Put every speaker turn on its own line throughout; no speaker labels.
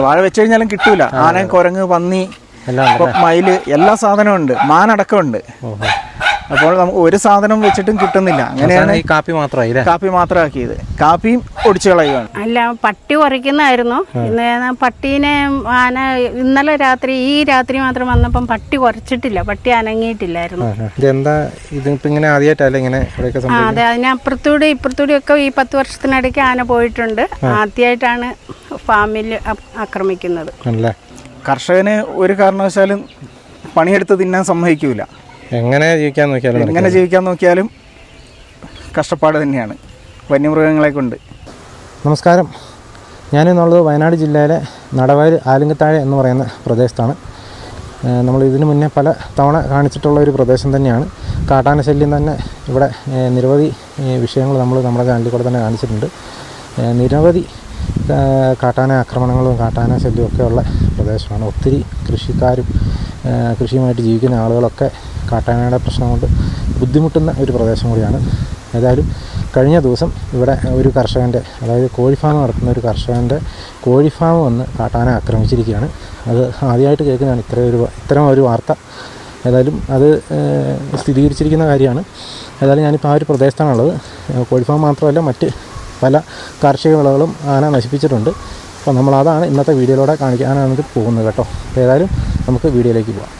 വാഴ വെച്ച് കഴിഞ്ഞാലും കിട്ടൂല. ആന, കുരങ്ങ്, പന്നി, മയില് എല്ലാ സാധനവും ഉണ്ട്. മാനടക്കമുണ്ട്. അപ്പോൾ നമുക്ക് ഒരു സാധനം വെച്ചിട്ടും കിട്ടുന്നില്ല. അങ്ങനെയാണ്
ഈ കാപ്പി
മാത്രമാക്കിയത്. കാപ്പിയും ഒടിച്ചു കളയുകയാണ്.
അല്ല, പട്ടി കുറയ്ക്കുന്നതായിരുന്നു. പട്ടീനെ ആന ഇന്നലെ രാത്രി, ഈ രാത്രി മാത്രം വന്നപ്പം പട്ടി കുറച്ചിട്ടില്ല. പട്ടി അനങ്ങിയിട്ടില്ലായിരുന്നു. അതെ, അതിനപ്പുറത്തൂടെ ഇപ്പുറത്തൂടെ ഒക്കെ ഈ 10 വർഷത്തിനിടയ്ക്ക് ആന പോയിട്ടുണ്ട്. ആദ്യമായിട്ടാണ് ഫാമിൽ ആക്രമിക്കുന്നത്.
കർഷകന് ഒരു കാരണവശാലും പണിയെടുത്ത് തിന്നാൻ സമ്മതിക്കൂല.
എങ്ങനെ
ജീവിക്കാൻ നോക്കിയാലും കഷ്ടപ്പാട് തന്നെയാണ് വന്യമൃഗങ്ങളെ കൊണ്ട്.
നമസ്കാരം, ഞാനിന്നുള്ളത് വയനാട് ജില്ലയിലെ നടവയൽ ആലുങ്കത്താഴ എന്ന് പറയുന്ന പ്രദേശത്താണ്. നമ്മൾ ഇതിനു മുന്നേ പല തവണ കാണിച്ചിട്ടുള്ള ഒരു പ്രദേശം തന്നെയാണ്. കാട്ടാന ശല്യം തന്നെ ഇവിടെ നിരവധി വിഷയങ്ങൾ നമ്മുടെ ചാനലിൽ കൂടെ തന്നെ കാണിച്ചിട്ടുണ്ട്. നിരവധി കാട്ടാന ആക്രമണങ്ങളും കാട്ടാന ശല്യവും ഒക്കെ ഉള്ള പ്രദേശമാണ്. ഒത്തിരി കൃഷിക്കാരും കൃഷിയുമായിട്ട് ജീവിക്കുന്ന ആളുകളൊക്കെ കാട്ടാനയുടെ പ്രശ്നം കൊണ്ട് ബുദ്ധിമുട്ടുന്ന ഒരു പ്രദേശം കൂടിയാണ്. ഏതായാലും കഴിഞ്ഞ ദിവസം ഇവിടെ ഒരു കർഷകൻ്റെ, അതായത് കോഴി ഫാം നടത്തുന്ന ഒരു കർഷകൻ്റെ കോഴി ഫാം വന്ന് കാട്ടാന ആക്രമിച്ചിരിക്കുകയാണ്. അത് ആദ്യമായിട്ട് കേൾക്കുന്നതാണ് ഇത്തരം ഒരു വാർത്ത. ഏതായാലും അത് സ്ഥിരീകരിച്ചിരിക്കുന്ന കാര്യമാണ്. ഏതായാലും ഞാനിപ്പോൾ ആ ഒരു പ്രദേശത്താണുള്ളത്. കോഴി ഫാം മാത്രമല്ല, മറ്റ് പല കാർഷിക വിളകളും ആന നശിപ്പിച്ചിട്ടുണ്ട്. അപ്പോൾ നമ്മളതാണ് ഇന്നത്തെ വീഡിയോയിലൂടെ കാണിക്കാനാണ് പോകുന്നത് കേട്ടോ. അപ്പോൾ ഏതായാലും നമുക്ക് വീഡിയോയിലേക്ക് പോകാം.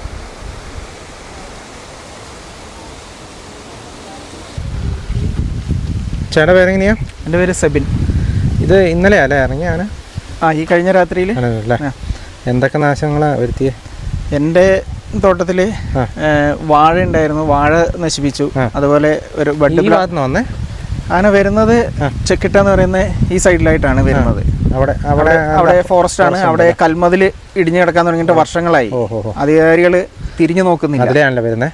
ചേട്ടാ പേരെങ്ങനെയാ?
എൻ്റെ പേര് സെബിൻ.
ഇത് ഇന്നലെ അല്ലേ ഇറങ്ങിയ ആന?
ഈ കഴിഞ്ഞ രാത്രിയിൽ.
അല്ലേ? എന്തൊക്കെ നാശങ്ങളാണ് വരുത്തിയത്? എൻ്റെ
തോട്ടത്തിൽ വാഴ ഉണ്ടായിരുന്നു. വാഴ നശിപ്പിച്ചു. അതുപോലെ ഒരു ബഡ്
വന്നേ
ആന വരുന്നത് ചെക്കിട്ട എന്ന് പറയുന്ന ഈ സൈഡിലായിട്ടാണ് വരുന്നത്. അവിടെ ഫോറസ്റ്റ് ആണ്. അവിടെ കൽമതിൽ ഇടിഞ്ഞു കിടക്കാൻ തുടങ്ങിയിട്ട് വർഷങ്ങളായി. അധികാരികൾ തിരിഞ്ഞു നോക്കുന്നില്ല.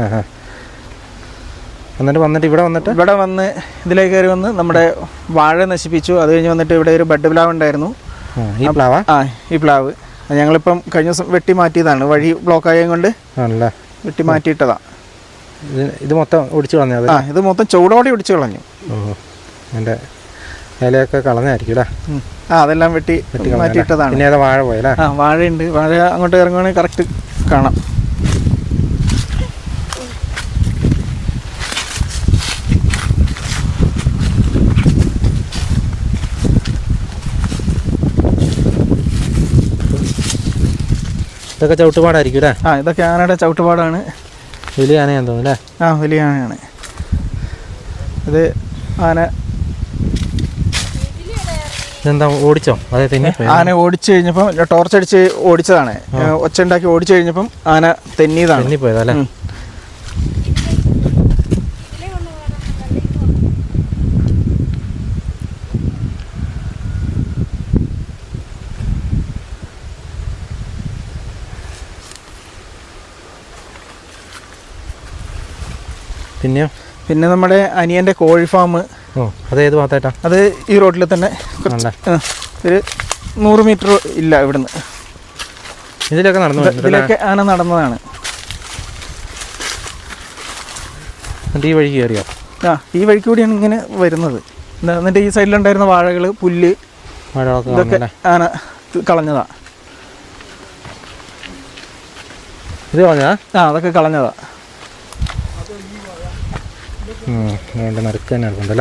വന്നിട്ട് ഇവിടെ
വന്ന് ഇതിലേക്ക് കയറി വന്ന് നമ്മുടെ വാഴ നശിപ്പിച്ചു. അത് കഴിഞ്ഞ് വന്നിട്ട് ഇവിടെ ഒരു ബഡ് പ്ലാവ് ഉണ്ടായിരുന്നു. ഈ പ്ലാവ് ഞങ്ങളിപ്പം കഴിഞ്ഞ ദിവസം വെട്ടി മാറ്റിയതാണ്. വഴി ബ്ലോക്ക് കൊണ്ട് വെട്ടി മാറ്റിയിട്ടതാ.
ഇത് മൊത്തം ഒടിച്ചു കളഞ്ഞു?
ഇത് മൊത്തം ചൂടോടെ ഒടിച്ചു കളഞ്ഞു.
എൻ്റെ ഇലയൊക്കെ കളഞ്ഞായിരിക്കും.
അതെല്ലാം വെട്ടി മാറ്റിയിട്ടതാണ്.
പിന്നെ വാഴ പോയല്ലേ?
വാഴയുണ്ട്. വാഴ അങ്ങോട്ട് ഇറങ്ങുവാണെങ്കിൽ കറക്റ്റ് കാണാം.
ഇതൊക്കെ ചവിട്ടുപാടായിരിക്കും അല്ലേ?
ഇതൊക്കെ ആനയുടെ ചവിട്ടുപാടാണ്.
വലിയ ആനയാന്ന് തോന്നുന്നു അല്ലേ?
വലിയ ആനയാണ് ഇത്. ആന
ഇതെന്താ ഓടിച്ചോ? അതെ,
ആന ഓടിച്ചു കഴിഞ്ഞപ്പം ടോർച്ചടിച്ച് ഓടിച്ചതാണ്. ഒച്ച ഉണ്ടാക്കി ഓടിച്ചു കഴിഞ്ഞപ്പം ആന തെന്നിയതാണ്.
തെന്നിപ്പോയതല്ലേ?
പിന്നെ നമ്മുടെ അനിയൻ്റെ കോഴി ഫാം.
അത് ഏത് ഭാഗത്തായിട്ടാ?
അത് ഈ റോഡിൽ തന്നെ ഒരു 100 മീറ്റർ ഇല്ല ഇവിടുന്ന്. ഇതിലൊക്കെ ആന നടന്നതാണ്.
ഈ വഴി കയറിയോ?
ഈ വഴിക്ക് കൂടിയാണ് ഇങ്ങനെ വരുന്നത്. എന്നിട്ട് ഈ സൈഡിലുണ്ടായിരുന്ന വാഴകൾ, പുല്ല്, ഇതൊക്കെ ആന കളഞ്ഞതാ.
ഇത് കളഞ്ഞതാ?
അതൊക്കെ കളഞ്ഞതാ.
നറുക്ക് തന്നെ എടുക്കണ്ടല്ലേ?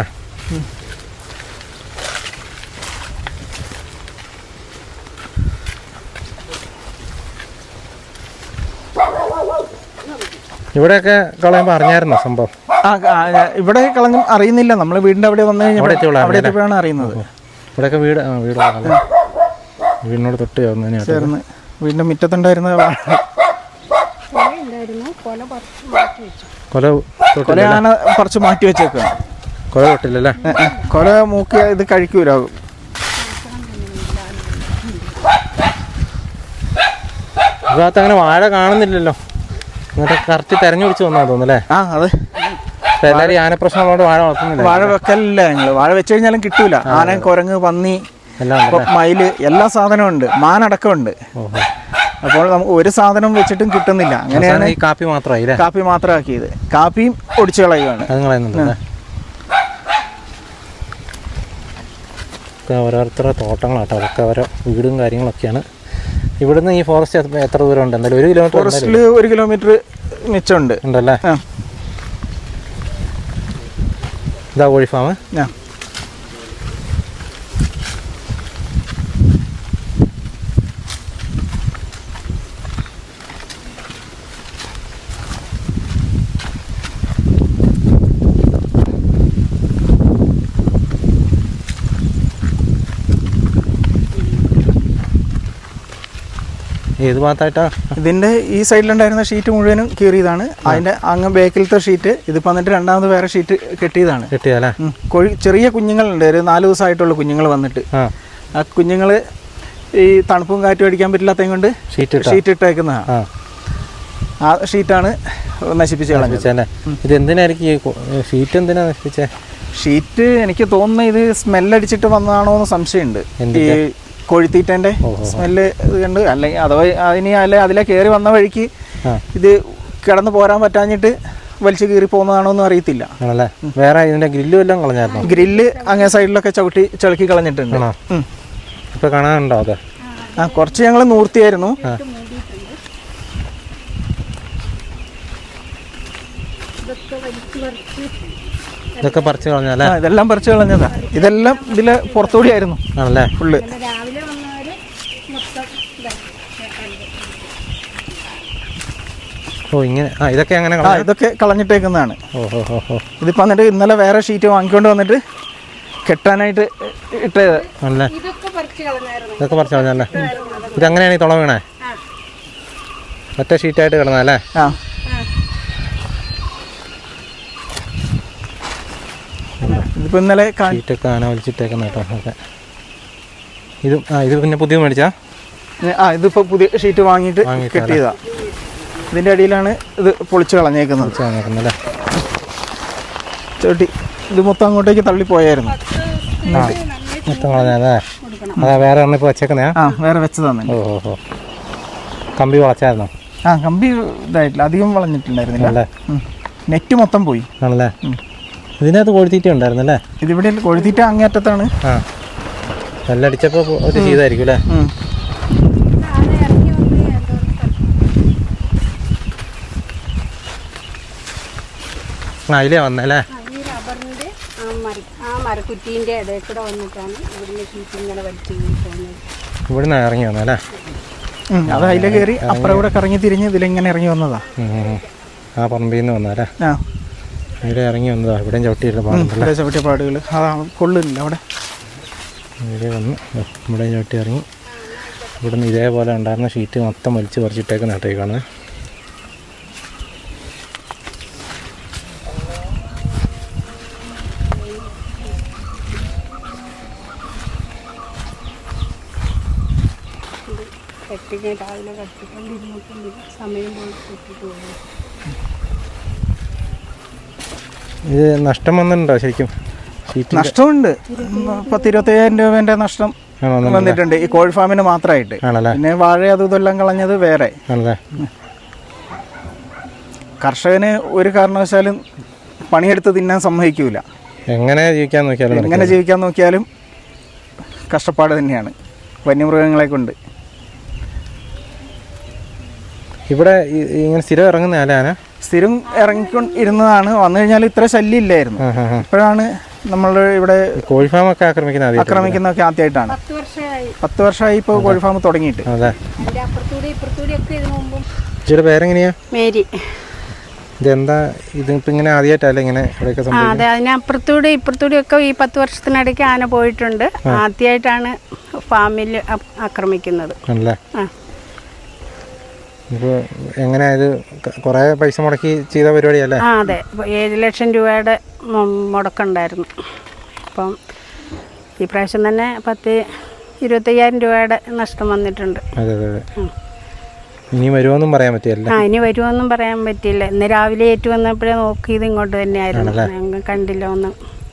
ഇവിടെയൊക്കെ കളയുമ്പോൾ അറിഞ്ഞായിരുന്നോ സംഭവം?
ഇവിടെ കളഞ്ഞും അറിയുന്നില്ല. നമ്മൾ വീടിൻ്റെ അവിടെ വന്നു കഴിഞ്ഞാൽ അവിടെ എത്തിയപ്പോഴാണ് അറിയുന്നത്.
ഇവിടെയൊക്കെ വീടിനോട് തൊട്ട് ചേർന്ന്
വീടിൻ്റെ മുറ്റത്തുണ്ടായിരുന്ന കൊല ആന കുറച്ച് മാറ്റി വെച്ചേക്കാണ്.
കൊല തൊട്ടില്ലല്ലേ?
കൊല മൂക്കി ഇത് കഴിക്കൂല.
ഭാഗത്ത് അങ്ങനെ വാഴ കാണുന്നില്ലല്ലോ. എന്നിട്ട് കറക്റ്റ് തെരഞ്ഞു പിടിച്ച് വന്നാ തോന്നുന്നല്ലേ?
അതെ.
എല്ലാവരും ആനപ്രശ്നമുള്ളതുകൊണ്ട് വാഴ വളർത്തുന്നില്ല.
വാഴ വെക്കലില്ല ഞങ്ങള്. വാഴ വെച്ച് കഴിഞ്ഞാലും കിട്ടൂല. ആന, കുരങ്ങ്, പന്നി, മയില് എല്ലാ സാധനവും ഉണ്ട്. മാനടക്കമുണ്ട്. അപ്പോൾ നമുക്ക് ഒരു സാധനം വെച്ചിട്ടും കിട്ടുന്നില്ല. അങ്ങനെയാണ്
ഈ കാപ്പി
മാത്രമാക്കിയത്. കാപ്പിയും ഒടിച്ചു കളയുകയാണ്.
ഇതൊക്കെ ഓരോരുത്തരുടെ തോട്ടങ്ങളാട്ടോ, അതൊക്കെ ഓരോ വീടും കാര്യങ്ങളൊക്കെയാണ്. ഇവിടുന്ന് ഈ ഫോറസ്റ്റ് എത്ര ദൂരം ഉണ്ട്? എന്തായാലും 1 കിലോമീറ്റർ.
ഫോറസ്റ്റിൽ 1 കിലോമീറ്റർ മിച്ചമുണ്ട്
ഉണ്ടല്ലേ? ഇതാ കോഴി ഫാം. ഏത് ഭാഗത്തായിട്ടാ?
ഇതിൻ്റെ ഈ സൈഡിലുണ്ടായിരുന്ന ഷീറ്റ് മുഴുവനും കീറിയതാണ്. അതിൻ്റെ അങ്ങ് ബേക്കിലത്തെ ഷീറ്റ് ഇതിപ്പോൾ വന്നിട്ട് രണ്ടാമത് വേറെ ഷീറ്റ് കെട്ടിയതാണ്.
കെട്ടിയല്ലേ?
കോഴി ചെറിയ കുഞ്ഞുങ്ങളുണ്ട്, ഒരു 4 ദിവസമായിട്ടുള്ള കുഞ്ഞുങ്ങൾ വന്നിട്ട്. ആ കുഞ്ഞുങ്ങൾ ഈ തണുപ്പും കാറ്റും അടിക്കാൻ പറ്റില്ലാത്തത് കൊണ്ട് ഷീറ്റ് ഇട്ടേക്കുന്നതാണ്. ആ ഷീറ്റാണ് നശിപ്പിച്ച് കളഞ്ഞത്.
ഇത് എന്തിനായിരിക്കും ഷീറ്റ് എന്തിനാ നശിപ്പിച്ചേ?
ഷീറ്റ് എനിക്ക് തോന്നുന്നത് ഇത് സ്മെല്ലടിച്ചിട്ട് വന്നതാണോ എന്ന് സംശയമുണ്ട്. ഈ കോഴിത്തീറ്റൻ്റെ സ്മെല്ല് കണ്ട്, അല്ലെങ്കിൽ അഥവാ അതിലെ കയറി വന്ന വഴിക്ക് ഇത് കിടന്ന് പോരാൻ പറ്റാഞ്ഞിട്ട് വലിച്ചു കീറി പോകുന്നതാണോ എന്ന് അറിയത്തില്ല.
വേറെ ഇതിന്റെ ഗ്രില്ലും എല്ലാം കളഞ്ഞായിരുന്നു.
ഗ്രില്ല് അങ്ങേ സൈഡിലൊക്കെ ചളുക്കി കളഞ്ഞിട്ടുണ്ട്.
ഇപ്പൊ കാണാനുണ്ടോ അത്?
കുറച്ച് ഞങ്ങൾ നൂർത്തിയായിരുന്നു.
ഇതൊക്കെ പറിച്ചു കളഞ്ഞല്ലേ?
ഇതെല്ലാം പറിച്ചു കളഞ്ഞതാ. ഇതെല്ലാം ഇതിലെ പുറത്തുകൂടി ആയിരുന്നു
ആണല്ലേ?
ഫുള്ള്.
ഓ ഇങ്ങനെ ഇതൊക്കെ അങ്ങനെ
ഇതൊക്കെ കളഞ്ഞിട്ടേക്കുന്നതാണ്. ഇതിപ്പോ വന്നിട്ട് ഇന്നലെ വേറെ ഷീറ്റ് വാങ്ങിക്കൊണ്ട് വന്നിട്ട് കെട്ടാനായിട്ട് ഇട്ടത്.
ആണല്ലേ? ഇതൊക്കെ പറിച്ചു കളഞ്ഞല്ലേ? ഇതങ്ങനെയാണ് ഈ തുള വീണേ? ഒറ്റ ഷീറ്റായിട്ട് കിടന്നല്ലേ?
ഇതിപ്പോ ഇന്നലെ
ഷീറ്റൊക്കെ ആന വലിച്ചിട്ടേക്കുന്ന കേട്ടോ. ഓക്കെ. ഇത് പിന്നെ പുതിയ മേടിച്ചാ?
ഇതിപ്പോ പുതിയ ഷീറ്റ് വാങ്ങിയിട്ട് കെട്ടിയതാ. ഇതിന്റെ അടിയിലാണ് ഇത് പൊളിച്ച് കളഞ്ഞേക്കുന്നത്. ചോട്ടി ഇത് മൊത്തം അങ്ങോട്ടേക്ക് തള്ളിപ്പോയായിരുന്നു.
മൊത്തം കളഞ്ഞല്ലേ? അതാ വേറെ ഒന്നും ഇപ്പൊ വെച്ചേക്കുന്നേ?
വേറെ വെച്ചതാണ്.
ഓഹോ. കമ്പി വളച്ചായിരുന്നോ?
കമ്പി ഇതായിട്ടില്ല, അധികം വളഞ്ഞിട്ടുണ്ടായിരുന്നില്ല. നെറ്റ് മൊത്തം പോയി.
ആണല്ലേ? ഇതിനകത്ത് കോഴിത്തീറ്റ ഉണ്ടായിരുന്നല്ലേ?
ഇതിവിടെ കോഴിത്തീറ്റ അങ്ങേറ്റത്താണ്.
നെല്ലടിച്ചപ്പോ ഒരു ചെയ്തായിരിക്കും അല്ലേ? അതിലേ വന്നല്ലേ? ഇവിടുന്ന് ഇറങ്ങി വന്നല്ലേ?
അത് അതിലെ കയറി അപ്പുറം കൂടെ കറങ്ങി തിരിഞ്ഞ് ഇതിലെങ്ങനെ ഇറങ്ങി വന്നതാ.
ആ പറമ്പിൽ നിന്ന് വന്നല്ലേ? ഇവിടെ ഇറങ്ങി വന്നതാ. ഇവിടെയും ചവിട്ടിയ
പാടുകൾ കൊള്ളില്ല അവിടെ.
ഇവിടെ വന്ന് ഇവിടെയും ചവിട്ടി ഇറങ്ങി. ഇവിടുന്ന് ഇതേപോലെ ഉണ്ടായിരുന്ന ഷീറ്റ് മൊത്തം വലിച്ച് പറിച്ചിട്ടേക്ക് നട്ടേക്കാണ്. ഇത് നഷ്ടം വന്നിട്ടുണ്ടോ ശരിക്കും?
നഷ്ടമുണ്ട്. 10-25,000 രൂപേന്റെ നഷ്ടം വന്നിട്ടുണ്ട് ഈ കോഴി ഫാമിന് മാത്രമായിട്ട്. പിന്നെ വാഴ അതും ഇതെല്ലാം കളഞ്ഞത് വേറെ. കർഷകന് ഒരു കാരണവശാലും പണിയെടുത്ത് തിന്നാൻ സമ്മതിക്കൂല.
എങ്ങനെ
ജീവിക്കാൻ നോക്കിയാലും കഷ്ടപ്പാട് തന്നെയാണ് വന്യമൃഗങ്ങളെ കൊണ്ട്.
ഇവിടെ ഇങ്ങനെ സ്ഥിരം ഇറങ്ങുന്ന ആന?
സ്ഥിരം ഇറങ്ങിക്കൊണ്ടിരുന്നതാണ്. വന്നു കഴിഞ്ഞാൽ ഇത്ര ശല്യം ഇല്ലായിരുന്നു. ഇപ്പോഴാണ് നമ്മൾ ഇവിടെ
കോഴി ഫാം ഒക്കെ
ആക്രമിക്കുന്നതൊക്കെ ആദ്യമായിട്ടാണ്. 10 വർഷമായി ഇപ്പോൾ കോഴി ഫാം തുടങ്ങിയിട്ട്.
പേരെങ്ങനെയാ?
മേരി.
ഇതെന്താ ഇതിപ്പോ ഇങ്ങനെ ആദ്യമായിട്ടല്ലേ ഇങ്ങനെ?
അതെ, അതിനപ്പുറത്തൂടെ ഇപ്പുറത്തൂടെ ഒക്കെ ഈ 10 വർഷത്തിനിടയ്ക്ക് ആന പോയിട്ടുണ്ട്. ആദ്യമായിട്ടാണ് ഫാമിൽ ആക്രമിക്കുന്നത്.
ഇപ്പോൾ എങ്ങനെയാ ഇത്? കുറേ പൈസ മുടക്കി ചെയ്ത പരിപാടിയല്ലേ?
അതെ, 7 ലക്ഷം രൂപയുടെ മുടക്കുണ്ടായിരുന്നു. അപ്പം ഈ പ്രാവശ്യം തന്നെ 10-25,000 രൂപയുടെ നഷ്ടം വന്നിട്ടുണ്ട്.
അതെ അതെ അതെ. ഇനി വരുമോന്നും പറയാൻ പറ്റില്ല.
ഇനി വരുമോന്നും പറയാൻ പറ്റില്ല. ഇന്ന് രാവിലെ ഏറ്റു വന്നപ്പോഴേ നോക്കിയത് ഇങ്ങോട്ട് തന്നെയായിരുന്നു. ഞങ്ങൾ കണ്ടില്ല ഒന്നും.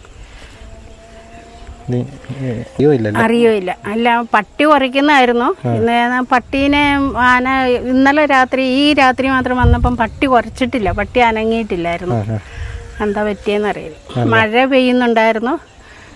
അറിയില്ല. അല്ല, പട്ടി കുറയ്ക്കുന്നതായിരുന്നു. ഇന്ന് പട്ടീനെ ആന ഇന്നലെ ഈ രാത്രി മാത്രം വന്നപ്പം പട്ടി കുറച്ചിട്ടില്ല, പട്ടി അനങ്ങിയിട്ടില്ലായിരുന്നു. എന്താ പറ്റിയെന്ന് അറിയില്ല. മഴ പെയ്യുന്നുണ്ടായിരുന്നു.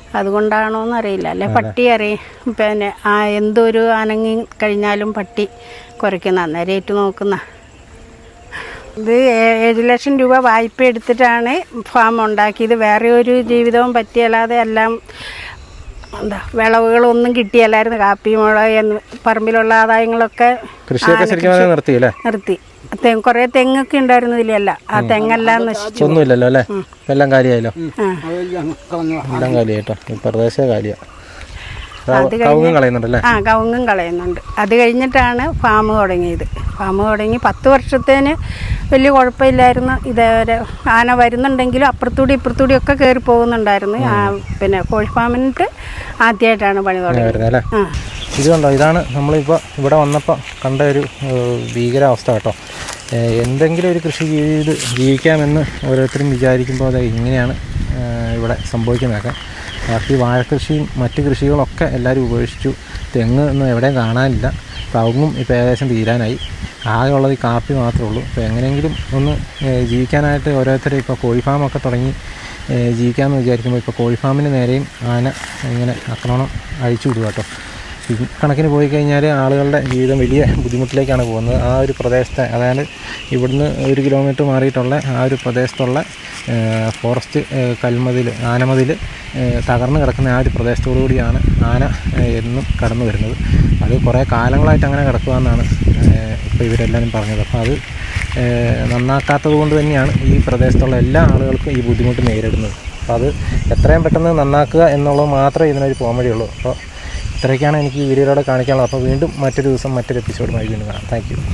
അതുകൊണ്ടാണോ എന്നറിയില്ല. അല്ലെ പട്ടി പിന്നെ എന്തൊരു അനങ്ങി കഴിഞ്ഞാലും പട്ടി കുറയ്ക്കുന്ന അന്നേരം ഏറ്റു നോക്കുന്ന. ഇത് 7 ലക്ഷം രൂപ വായ്പ എടുത്തിട്ടാണ് ഫാം ഉണ്ടാക്കിയത്. വേറെ ഒരു ജീവിതവും പറ്റിയല്ലാതെ എല്ലാം വിളവുകളൊന്നും കിട്ടിയല്ലായിരുന്നു. കാപ്പി, മുളക്, പറമ്പിലുള്ള ആദായങ്ങളൊക്കെ നിർത്തി. കുറേ തെങ്ങൊക്കെ ഉണ്ടായിരുന്നു ഇതിലല്ല. ആ തെങ്ങെല്ലാം നശിച്ചു.
ഒന്നുമില്ലല്ലോ അല്ലേ? എല്ലാം കാലിയായല്ലോ. എല്ലാം കാലിയായിട്ടോ. പ്രദേശം കാലിയാ. കവുങ്ങും
കളയുന്നുണ്ട്. അത് കഴിഞ്ഞിട്ടാണ് ഫാം തുടങ്ങിയത്. ഫാം തുടങ്ങി 10 വർഷത്തേന് വലിയ കുഴപ്പമില്ലായിരുന്നു. ഇതേവരെ ആന വരുന്നുണ്ടെങ്കിലും അപ്പുറത്തൂടി ഇപ്പുറത്തൂടി ഒക്കെ കയറി പോകുന്നുണ്ടായിരുന്നു. പിന്നെ കോഴി ഫാമിനിട്ട് ആദ്യമായിട്ടാണ് പണി തുടങ്ങിയത്.
ഇത് കണ്ടോ, ഇതാണ് നമ്മളിപ്പോൾ ഇവിടെ വന്നപ്പോൾ കണ്ട ഒരു ഭീകരാവസ്ഥ കേട്ടോ. എന്തെങ്കിലും ഒരു കൃഷി ചെയ്ത് ജീവിക്കാമെന്ന് ഓരോരുത്തരും വിചാരിക്കുമ്പോൾ അത് ഇങ്ങനെയാണ് ഇവിടെ സംഭവിക്കുന്നതൊക്കെ. ബാക്കി വാഴക്കൃഷിയും മറ്റ് കൃഷികളൊക്കെ എല്ലാവരും ഉപേക്ഷിച്ചു. തെങ്ങ് ഒന്നും എവിടെയും കാണാനില്ല. കവുങ്ങും ഇപ്പോൾ ഏകദേശം തീരാനായി. ആകെ ഉള്ളത് ഈ കാപ്പി മാത്രമേ ഉള്ളൂ. അപ്പോൾ എങ്ങനെയെങ്കിലും ഒന്ന് ജീവിക്കാനായിട്ട് ഓരോരുത്തരും ഇപ്പോൾ കോഴി ഫാമൊക്കെ തുടങ്ങി ജീവിക്കാമെന്ന് വിചാരിക്കുമ്പോൾ ഇപ്പോൾ കോഴി ഫാമിന് നേരെയും ആന ഇങ്ങനെ ആക്രമണം അഴിച്ചു വിടുക കേട്ടോ. ഈ കണക്കിന് പോയി കഴിഞ്ഞാൽ ആളുകളുടെ ജീവിതം വലിയ ബുദ്ധിമുട്ടിലേക്കാണ് പോകുന്നത്. ആ ഒരു പ്രദേശത്തെ, അതായത് ഇവിടുന്ന് 1 കിലോമീറ്റർ മാറിയിട്ടുള്ള ആ ഒരു പ്രദേശത്തുള്ള ഫോറസ്റ്റ് ആനമതിൽ തകർന്നു കിടക്കുന്ന ആ ഒരു പ്രദേശത്തോടു കൂടിയാണ് ആന എന്നും കടന്നു വരുന്നത്. അത് കുറേ കാലങ്ങളായിട്ട് അങ്ങനെ കിടക്കുകയെന്നാണ് ഇപ്പോൾ ഇവരെല്ലാവരും പറഞ്ഞത്. അപ്പോൾ അത് നന്നാക്കാത്തത് കൊണ്ട് തന്നെയാണ് ഈ പ്രദേശത്തുള്ള എല്ലാ ആളുകൾക്കും ഈ ബുദ്ധിമുട്ട് നേരിടുന്നത്. അപ്പോൾ അത് എത്രയും പെട്ടെന്ന് നന്നാക്കുക എന്നുള്ളത് മാത്രമേ ഇതിനൊരു പോംവഴിയുള്ളൂ. അപ്പോൾ ഇത്രയൊക്കെയാണ് എനിക്ക് ഈ വീഡിയോയിലൂടെ കാണിക്കാനുള്ളത്. അപ്പോൾ വീണ്ടും മറ്റൊരു ദിവസം മറ്റൊരു എപ്പിസോഡുമായി വീണ്ടും കാണാം. Thank U.